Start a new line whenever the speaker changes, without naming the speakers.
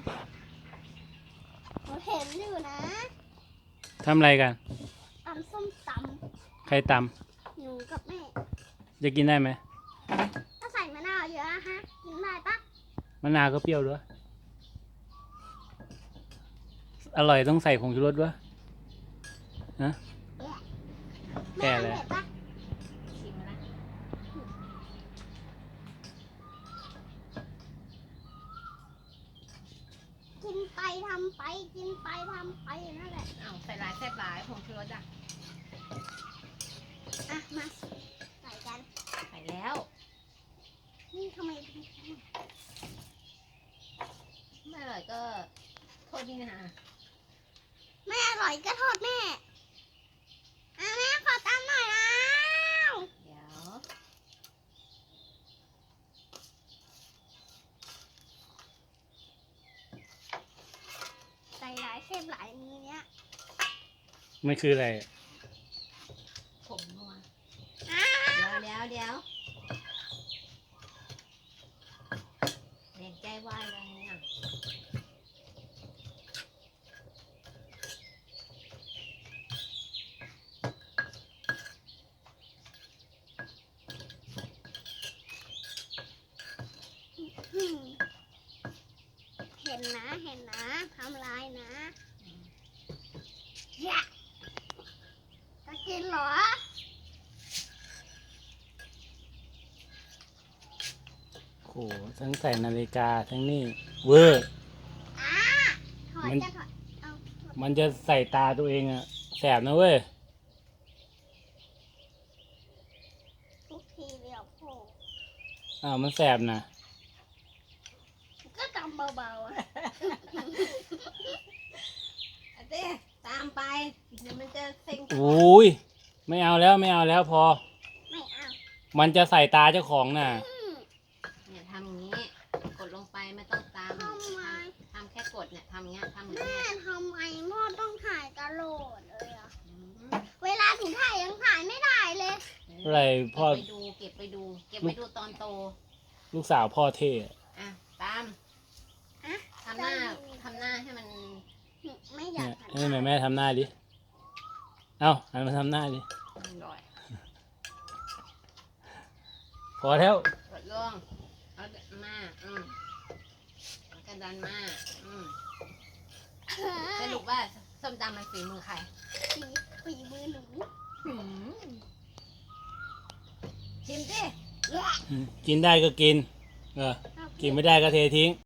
หนูเห็นอยู่นะ
ทำอะไรกัน
ตำส้มต
ใครต
ำหนูกับแม่
ำจะกินได้ไหม
ถ้าใส่มะนาวเยอะอะฮะกินได้ปะ
มะนาวก็เปรี้ยวด้วยอร่อยต้องใส่ผงชูรสด้วยนะ
แม่
แก่
ทำ
แล้ว
เผ็ดปะ
ชิมนะ
กินไปทำไปกินไปทำไปนั่นแหละ
อ้าวใส่หลายแซ่บหลายผงชูรสอ่ะ
อ่ะมาใส่กัน
ใส่แล้ว
นี่ทำไม
ไม่อร่อยก็โทษนี่นะ
ไม่อร่อยก็โทษแม่อ่ะแม่ขอตำหน่อยนะ
เดี๋ยว
ใส่หลายเส้นหลายมือเนี้ย
มันคืออะไร
ผมนัว
อ่ะ
เดี๋ยวเด็กใจวายเลยเนี่ย
อืมเห็นนะทำลายนะแยะจะกินเหรอ
โอ้โหทั้งใส่นาฬิกาทั้งนี่เวอร์
อ่ะถอด
มัน
จะถอดเอาถอด
มันจะใส่ตาตัวเองอะแสบนะเว้ย
ทุกทีเดียวโผล่
อ้าวมันแสบนะ
ก็ตำเบาๆอะ
เอาเต้ตามไปเดี๋ยวมันจะเซ็ง
โอ้ยไม่เอาแล้วพอ
ไม่เอา
มันจะใส่ตาเจ้าของน่ะ
อืม
เนี่ยทำอย่างนี้กดลงไปไม่ต้องตาม
ทำไม
ทำแค่กดเนี่ยทำอย่างเงี้ยทำอย่าง
แม่
เงี้ย
ทำไมพ่อต้องถ่ายตลอดเลยอะ
อืม
เวลาถึงถ่ายยังถ่ายไม่ได้เลย
อะไรพ่อ
เก็บไปดูตอนโต
ลูกสาวพ่อเท่อะ
อ่ะตาม
อะ
ทำหน้าให้มัน
ไม่อยา
เนี่
ก
ย
หัน
ให้แม่ทำหน้าดิ เอ้าหันมาทำหน้าดิ
อร่อย
พอแล้ว
กดลงเอามาแล้วกระดานมาสรุปว่าส้มตำมันฝีมือใคร
ฝีมือหนู
ชิมสิ
แย่
กินได้ก็กิน กินไม่ได้ก็เททิ้ง